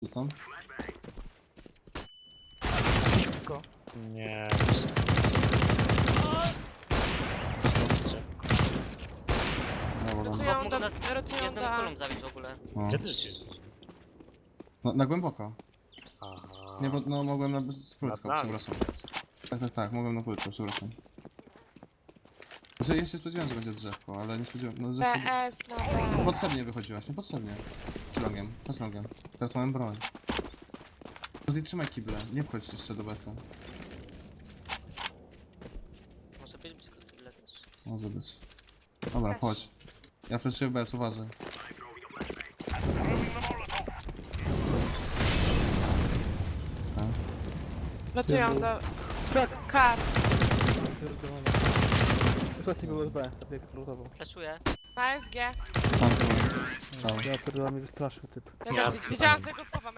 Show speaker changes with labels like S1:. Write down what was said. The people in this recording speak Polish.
S1: Rzucam.
S2: Blisko.
S3: Nie,
S1: Dobra,
S4: Rotują
S2: Mógł
S4: do...
S2: nas
S4: Rotują
S2: jedną
S4: do...
S2: kulą zabić w ogóle.
S1: no.
S3: ja też się zrzuciłem.
S1: Na głęboko.
S3: Aha.
S1: Nie, bo no mogłem na płytko,
S3: Nad nami.
S1: przepraszam. Tak, mogłem na płytko, przepraszam. Znaczy, ja się spodziewałem, że będzie drzewko, ale nie spodziewałem, no drzewko...
S4: PS na B.
S1: Potrzebnie wychodziłaś, niepotrzebnie. Chodź longiem. Teraz mamy broń. Uzi, trzymaj kible, nie wchodź jeszcze do besa.
S2: Może być blisko tyle też.
S1: Może być. Dobra,
S4: Też.
S1: chodź. Ja flashuję bez, uważaj.
S4: Rotują do...
S5: Tak!
S4: Kar.
S5: Pierdolony. Ostatni był SB, tak lutował.
S2: Flashuję.
S4: Na SG.
S1: Tam tu. Strzał.
S5: Ja pierdolę mnie wystraszył typ.
S4: Ja
S3: Ja
S4: też
S3: z-
S4: widziałam tego powa.